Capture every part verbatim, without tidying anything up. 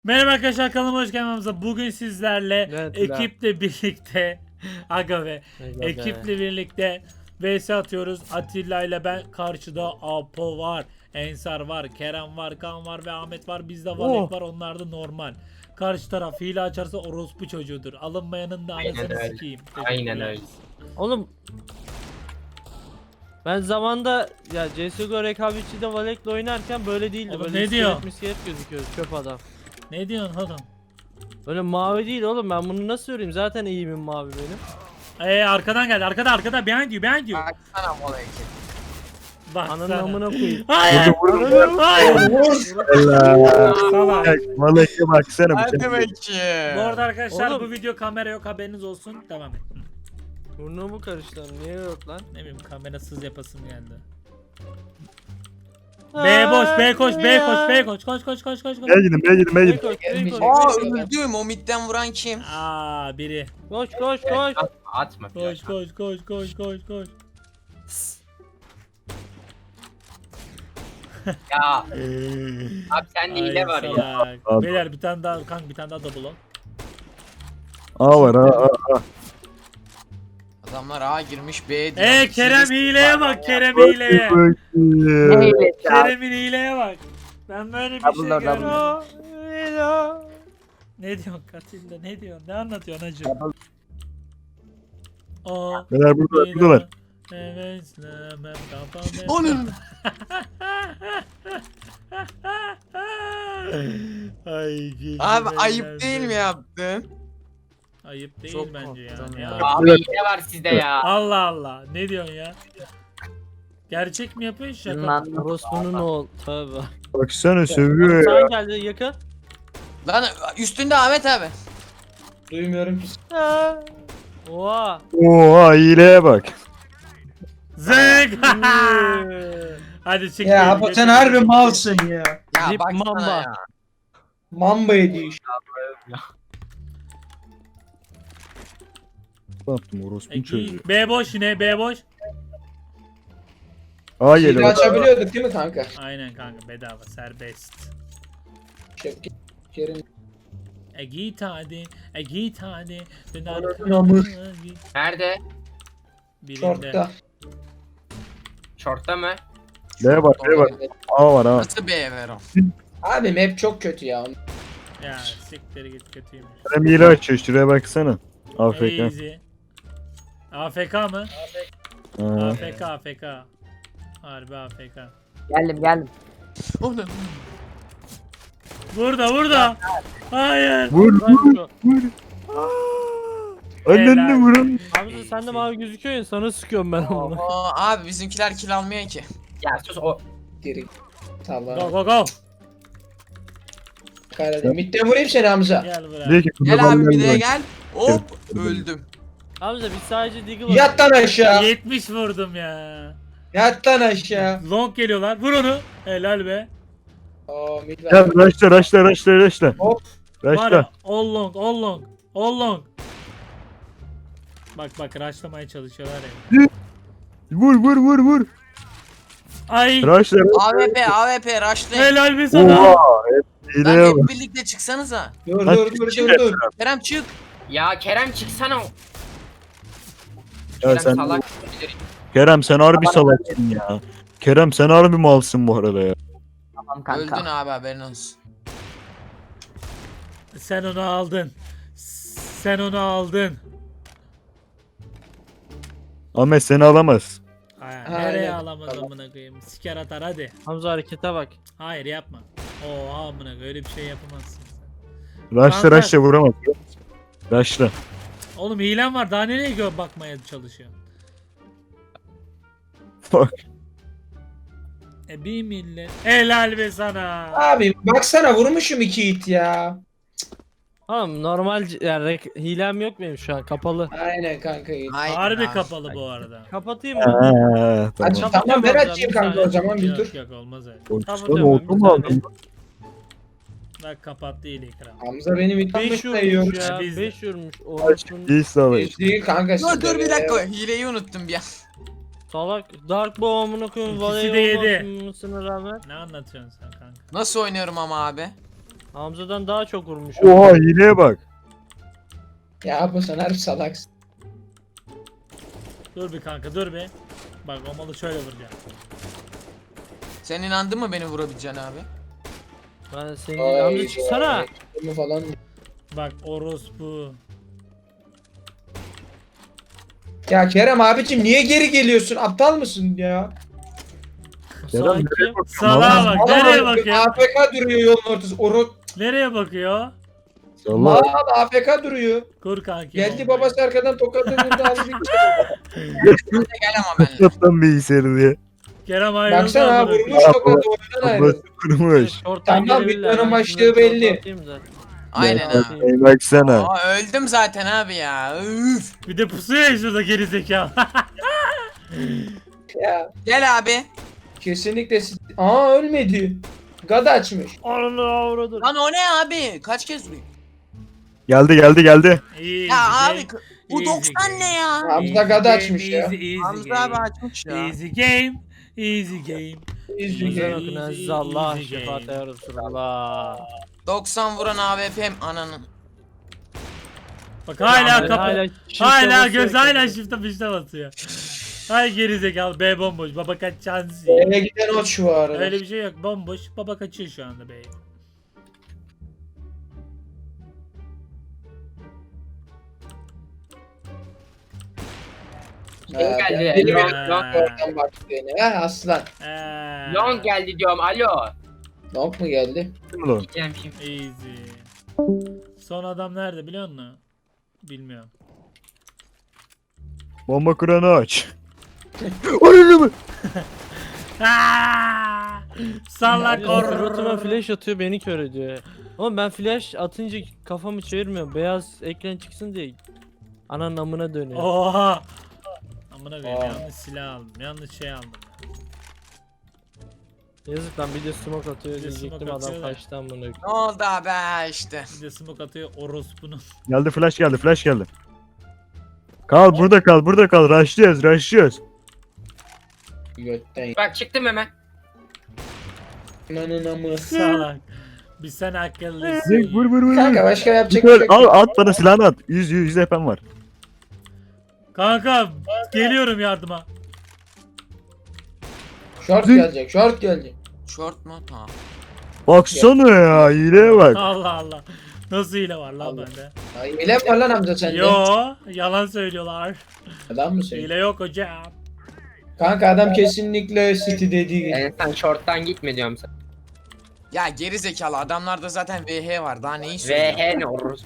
Merhaba arkadaşlar, kanalıma hoş geldiniz. Bugün sizlerle Evet, ekiple birlikte aga be Aga ekiple birlikte vs atıyoruz. Atilla ile ben, karşıda Apo var, Ensar var, Kerem var, Kaan var ve Ahmet var. Bizde Valek Oh. var, onlar da normal. Karşı taraf hile açarsa orospu çocuğudur. Alınmayanın da Aynen anasını öyle. sikeyim. Aynen Teşekkürler. öyle. Oğlum ben zamanda ya C S G O rekabetçide Valek'le oynarken böyle değildi. Oğlum Böyle ne diyor? iskelet miskelet gözüküyor, çöp adam. Ne diyorsun oğlum? Böyle mavi değil oğlum, ben bunu nasıl göreyim, zaten eğimim mavi benim. Eee arkadan geldi, arkada arkada, behind you, behind you. Baksana molayı. Bak Ananın sana. amına koyayım. Hayır. Ananın- Hayır. Helal. Salak. Malak'a baksana bu Hadi şey. bakayım. Bu arada arkadaşlar Oğlum. bu video kamera yok, haberiniz olsun. Devam et. Burnumu karıştırdım, niye yok lan? Ne bileyim, kamerasız yapasım geldi. B boş, B koş, B koş, B koş, koş koş koş koş koş. Ben gidin ben gidin ben B gidin. koş, B koş. Aa öldüm. O midden vuran kim? Aa biri. Koş koş koş. Atma, atma. Koş koş koş koş koş koş. Ya. Abi sende hile var ya. salak. Abi. Beyler bir tane daha, kanka bir tane daha double on. A var A A A. Adamlar A girmiş B diyor. Eee Kerem Hilesi hileye var bak, ya. Kerem hileye. Bakayım. Kerem'in hileye bak. Ben böyle bir şey görmedim. Aa, Ela. Ne diyorsun Katilda, ne diyorsun, ne anlatıyorsun hacı? Aa. Neler burada buradalar. Evet, istemem, kafam hep- Onun. Ay, güldüm Abi eğlendim. ayıp değil mi yaptın? Ayıp değil Çok bence ya. korktum Ne ya. ayıp? Abi hile var sizde ya. Allah Allah. Ne diyorsun ya? Gerçek mi yapıyorsun, şaka mı? Orospu'nun oğlu. Tövbe. Baksana sövüyor ya. Sen geldi yakın. Lan üstünde Ahmet abi. Duymuyorum ki. Ha. Oha. Oha hileye bak. Zık! Hadi çık. Ya gel, Apo geç, sen geç, harbi geç. malsın ya. Ya Zip baksana mamba. ya. Mamba ediyor işte. Ne yaptım orospunun E, çocuğu. B boş yine, B boş. A Hile geliyor. açabiliyorduk değil mi kanka? Aynen kanka, bedava, serbest. Şevki. Kerim. E git hadi, e git hadi. Dön Ananın arkana, amı. git. Nerede? Birinde. Şortta. Şortta mı? B var B var. A var A. Nasıl B ver o? Abi map çok kötü ya. Ya siktir git, kötüymüş. Kerem hile açıyor şuraya baksana. A F K. Easy. A F K mı? Ha. A F K, A F K. Harbi A F K. Geldim geldim. O ne? Burada, burada. Hayır. Vur Lan vur şu- vur. Annenle Helal. vurun. Hamza sen de mavi gözüküyor ya, sana sıkıyorum ben onu. Oo, abi bizimkiler kill almıyor ki. Ya sus o. Geri. Go Tamam. go go. Kahretsin. Mitte vurayım seni Hamza. Gel buraya. Diyor ki, Gel "Kurban abi bir de olayım." gel. Hop öldüm. Hamza biz sadece Deagle Yat lan aşağı. yetmiş vurdum ya. Yat lan aşağı. Long geliyorlar. Vur onu. Helal be. Oo mid Gel var. raşla raşla raşla raşla. Hop. Var ya, Raşla. all long, all long, all long. Bak bak, rushlamaya çalışıyorlar ya. Vur vur vur vur. Ay. Raşla raşla. A W P A W P rushlayın. Helal be sana. Oha. hep Lan Hileye hep bak. birlikte çıksanıza. Dur Hadi dur dur çık. dur dur. Kerem çık. Ya Kerem çıksana. Ya Kerem sen salak. Kerem sen harbi salaksın ya. Kerem sen harbi malsın bu arada ya. Tamam kanka. Öldün abi haberin olsun. Sen onu aldın. Sen onu aldın. Ahmet seni alamaz. Ay, Aynen. nereye alamaz amına koyayım? Siker atar hadi. Hamza harekete bak. Hayır yapma. Oha amına koyayım, öyle bir şey yapamazsın sen. Raşla Kanka. raşla vuramaz. Raşla. Oğlum hilem var, daha nereye gö bakmaya çalışıyorsun? Bak. E bir millet. Helal be sana. Abi baksana vurmuşum iki hit ya. Tamam normal c- yani rek- hilem yok benim şu an, kapalı. Aynen kanka iyi. Aynen Harbi abi. kapalı bu arada. Kapatayım mı? Ha, Aç, tamam. tamam ben Kapatacağım açayım hocam, kanka o zaman bir Yok dur. yok, olmaz öyle. Korkusana Kapatıyorum oldu ben, mu bir aldın? Bak kapattı ile ekran. Hamza benim beş itanmışla vurmuş yiyor. ya, Biz de. beş vurmuş. Aç Orospu'nun değil savaş. Hiç değil kanka. Dur sizde dur bir be. dakika hileyi unuttum bir an. salak. Dark Bomb'unu koyun, İkisi Valey de yedi. olmasına rağmen. Ne anlatıyorsun sen kanka? Nasıl oynuyorum ama abi? Hamza'dan daha çok vurmuş. Oha hileye bak. Ya bu sen harbi salaksın. Dur bir kanka dur bir. Bak o malı şöyle vuracağım. Sen inandın mı beni vurabileceğine abi? Ben senin Hamza çıksana. Bunu falan. Bak orospu. Ya Kerem abicim niye geri geliyorsun? Aptal mısın ya? Kerem Sanki nereye bakıyorsun Salağa lan? bak nereye bakıyor? A F K duruyor yolun ortası. Oru Nereye bakıyor? Salla. mal A F K duruyor. Kur kanki. Geldi bombayı. babası arkadan tokadı vurdu aldı bir Gel ama benimle. Kaptan bilgisayarı diye. Kerem ayrıldı. Baksana ha amına koyayım. vurmuş tokadı oyundan ayrıldı. Babası kurmuş. Şorttan Tamam, gelebilirler. videonun Ben başlığı şunları belli. şorta atayım da. Aynen Ya, abi. ey baksana. Aa, öldüm zaten abi ya. Üf. Bir de pusuyor ya şurada geri zekalı. Ya Gel abi. kesinlikle siz... Aa ölmedi. Gad açmış. Ananı avradır. Lan o ne abi? Kaç kez vurayım? Geldi geldi geldi. İyi. Ya güzel. abi bu easy doksan game. ne ya? Hamza gad game, açmış ya. easy, easy Hamza game. abi açmış ya. Easy game. Easy game. İzli Easy. Güzel gel. okun Easy, aziz Allah easy şefaat game. ya Resulallah. doksan vuran A W P'm ananın. Bak hala Yani kapı. hala Hala, shift'e göz basıyor hala ki. shift'e pişte basıyor. Hay geri zekalı B bomboş. Baba kaç şansı. Eve giden o şu arada. Öyle bir şey yok. Bomboş. Baba kaçıyor şu anda B'ye. Ha, geldi, ben de Elon- bir oradan baktı beni. Ha aslan. Eee. Long geldi diyorum alo. Nok mu geldi? Kim lan? Diyeceğim şimdi. Easy. Son adam nerede biliyor musun? Bilmiyorum. Bomba kuranı aç. Öyle mi? Aaaa! Salla Ya, kor. Suratıma flash atıyor beni kör ediyor. Ama ben flash atınca kafamı çevirmiyorum. Beyaz ekran çıksın diye. Ananın amına dönüyor. Oha! Amına koyayım Aa. yanlış silah aldım. Yanlış şey aldım. Yazık lan bir de smoke atıyor Bir de diyecektim smoke adam atıyor da. kaçtı amına koyayım. Ne oldu abi işte. Bir de smoke atıyor orospunun. Geldi flash geldi flash geldi. Kal burada kal burada kal. Rushlıyoruz rushlıyoruz. Götten. Bak çıktım hemen. Ananın amı. Salak. Bir sen akıllısın. Zek vur vur vur. Kanka başka yapacak bir Gel, şey al yok. at bana silahını at. yüz yüz yüz F M var. Kanka geliyorum yardıma. Short Zek. gelecek, short gelecek. Short mu? Ha. Baksana ya hileye bak. Allah Allah. Nasıl hile var lan Allah. bende? Ay, hile mi var lan amca sende? Yo, yalan söylüyorlar. Adam mı söylüyor? Hile yok hocam. Kanka adam kesinlikle City dediği gibi. Yani sen short'tan gitme diyorum sana. Ya geri zekalı adamlarda zaten V H var. Daha neyi söylüyorsun? V H ne olur?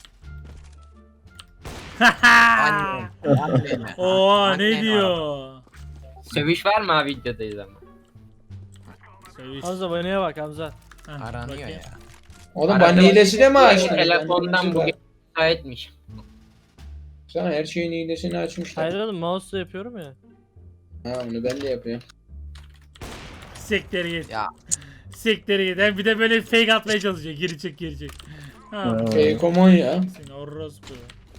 Anne. Anne. Oha Anne ne diyor? Sövüş var mı abi videodayız ama? Söylüş. Hamza banaya bak Hamza. Heh, Aranıyor bakayım. ya. Oğlum Arada ban hilesi de mi açtın? Telefondan bugün müsaitmiş. Sana her şeyin hilesini açmışlar. Hayır oğlum mouse'la yapıyorum ya. Ha onu ben de yapıyorum. Siktir git. Ya. Siktir git. Hem bir de böyle fake atmaya çalışıyor. Geri çek geri çek. Ha. Ha. Şey komon ya. Sen orospu.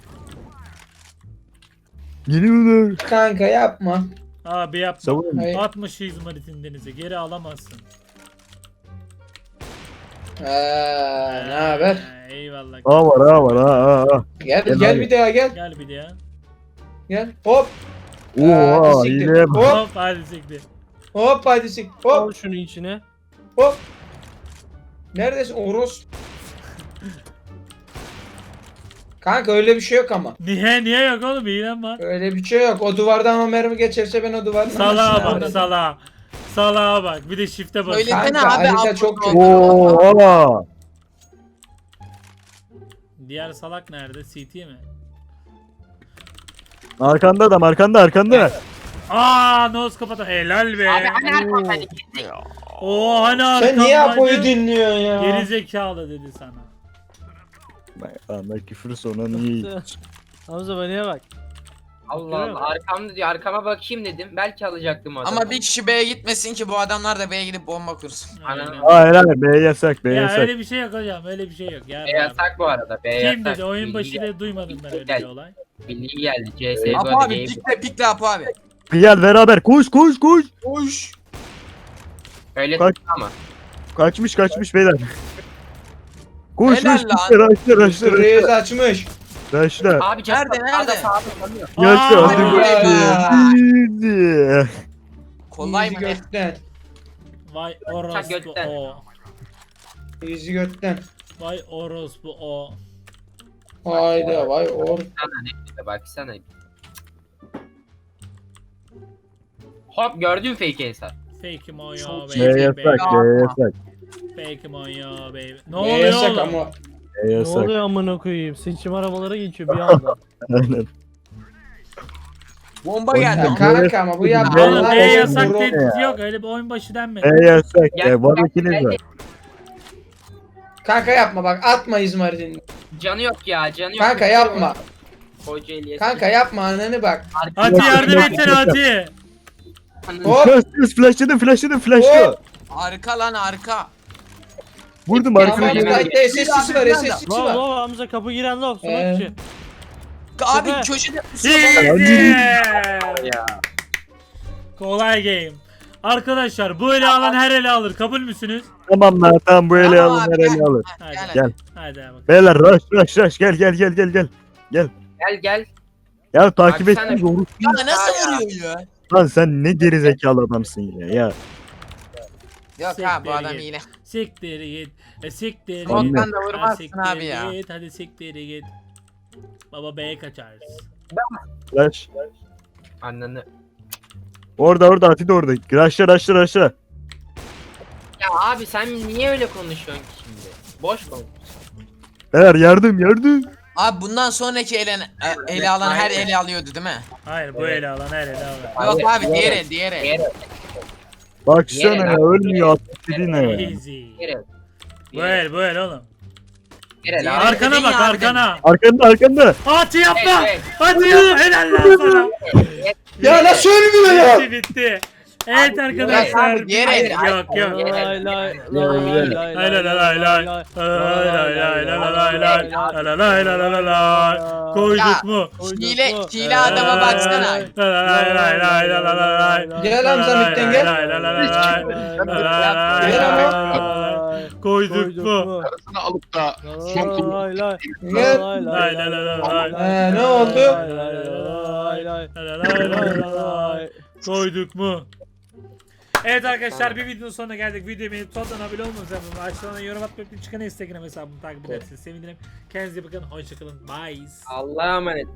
Geliyorlar. Kanka yapma. Abi yapma. Savun. Hayır. Atmış izmaritin denize. Geri alamazsın. Ha, ne haber? Ha, Eyvallah. A var A var A A A. Gel Gel gel abi. bir daha gel. Gel bir de ya. Gel. Hop. Oha Hadi siktir. hileye bak. Hop. Hop hadi siktir. Hop hadi sik. Al Hop. şunu içine. Hop. Neredesin Oros? Kanka öyle bir şey yok ama. Niye niye yok oğlum hilem var. Öyle bir şey yok. O duvardan o mermi geçerse ben o duvardan... Salağa aşağı bak alırım. salağa. Salağa bak. Bir de shift'e bak. Söylesene Kanka, abi. harita Apollo çok kötü. olduğunu. Oha. Diğer salak nerede? C T mi? Arkanda adam arkanda arkanda. Aa nose kapat. Helal be. Abi hani arkamdaydı. Oo hani Sen niye arkamdaydın? Apo'yu dinliyorsun ya? Geri zekalı dedi sana. Ana küfür sonra niye? Hamza banaya bak. Allah Allah arkamda diyor arkama bakayım dedim. Belki alacaktım o adamı. Ama bir kişi B'ye gitmesin ki bu adamlar da B'ye gidip bomba kursun. Aynen. Aynen. Hayır hayır B yasak B Ya yasak. öyle bir şey yok hocam. Öyle bir şey yok. Ya, B yasak bu arada. B yasak. Kim dedi? Oyun Bilgi başı geldi. da duymadım ben öyle bir Geldi. olay. Bilgi geldi. C S G Apo O abi game. pikle pikle Apo abi. Gel beraber koş koş koş. Koş. Öyle Kaç- ama. Kaçmış kaçmış beyler. Koş Helal koş lan. koş. Raşla raşla Reis raşla. açmış. Raşla. Abi just Nerede, nerede? Sağda sağda sanıyor. Yaşa Aa, hadi hadi bakayım. Kolay Easy mı ne? götten. Vay orospu götten. o. Easy götten. Vay orospu o. Hayda vay or. Sana ne? Baksana. Hop gördün fake Ensar. Fake'im o ya Çok baby. Ne yasak ne yasak. Fake'im o ya baby. Ne Ne oluyor yasak oğlum? ama. Ne Ne yasak. oluyor amına koyayım? Seçim arabalara geçiyor bir anda. Aynen. Bomba Ya geldi. kanka ama bu Oğlum, yaptığı Oğlum olay B Oğlum, yasak vurun. dedi ya. yok öyle bir oyun başı denmedi. Ne yasak Gel, ya. Var gel, ikiniz gel. var. Kanka yapma bak atma İzmarit'in. Canı yok ya canı yok. Kanka yapma. Kocaeli Kanka yapma ananı bak. Ati yardım etsene Ati. Hop. Kız kız flashladım flashladım flashladım. Hop. Arka lan arka. Vurdum Tamam arkana. Tamam, bu kayıtta S S'si var S S'si Lov var. lov Hamza kapı giren lov. Ee. Smoke içi. Abi Süper. köşede Easy. Kolay game. Arkadaşlar bu ele alan her ele alır. Kabul müsünüz? Tamam lan tamam bu ele Tamam alın abi, her ele gel. alın. Hadi. Gel. Gel. Hadi bakalım. Beyler rush rush rush gel gel gel gel gel. Gel gel. Ya takip Baksana. etsin doğru. Ya nasıl vuruyor ya? Lan sen ne gerizekalı adamsın ya. Ya Yok abi bu Siktir adam git. hile. Siktir git. E, siktir git. Tamam. Smoke'tan da Ha, vurmazsın siktir abi ya. Git. Hadi siktir git. Baba B'ye kaçarız. flash. Ananı. Orada orada Ati de orada. Rushla rushla rushla. Ya abi sen niye öyle konuşuyorsun ki şimdi? Boş konuş. Beyler yardım yardım. Abi bundan sonraki ele, e, ele alan her ele alıyordu değil mi? Hayır bu ele alan her ele alır. Yok Abi, abi diğer el diğer el. Diğer Baksana Yere ya lan. ölmüyor Ati dediğine ya. Easy. Diğer Bu el bu el oğlum. Diğer Diğer- abi. Arkana dedin bak ya abi arkana. Arkanda arkanda. Ati yapma. Evet, Ati yapma. Helal lan sana. Ya nasıl ölmüyor ya? Bitti bitti. Evet arkadaşlar. abi, diğer el. Yok yok. Diğer el. Lay lay Gel, lay gel. lay Lay lay lay lay lay. Lay lay lay lay lay lay lay. Lay lay lay lay lay lay. Koyduk mu? Hile, hile adama baksana. Lay lay lay lay lay lay lay lay. Gel Hamza Mit'ten gel. Lay lay lay lay lay. Lay lay Gel ama. lay lay. Koyduk mu? Parasını alıp da Lay lay Gel. Lay lay lay lay lay. Ee, ne oldu? lay lay lay lay. Lay lay lay lay lay. Koyduk mu? Evet arkadaşlar bir videonun sonuna geldik. Videoyu beğenip sonradan abone olmanızı yapın. Aşağıdan yorum atmayı, çıkan Instagram hesabımı takip ederseniz sevinirim. Kendinize iyi bakın. Hoşçakalın. Bye. Allah'a emanet.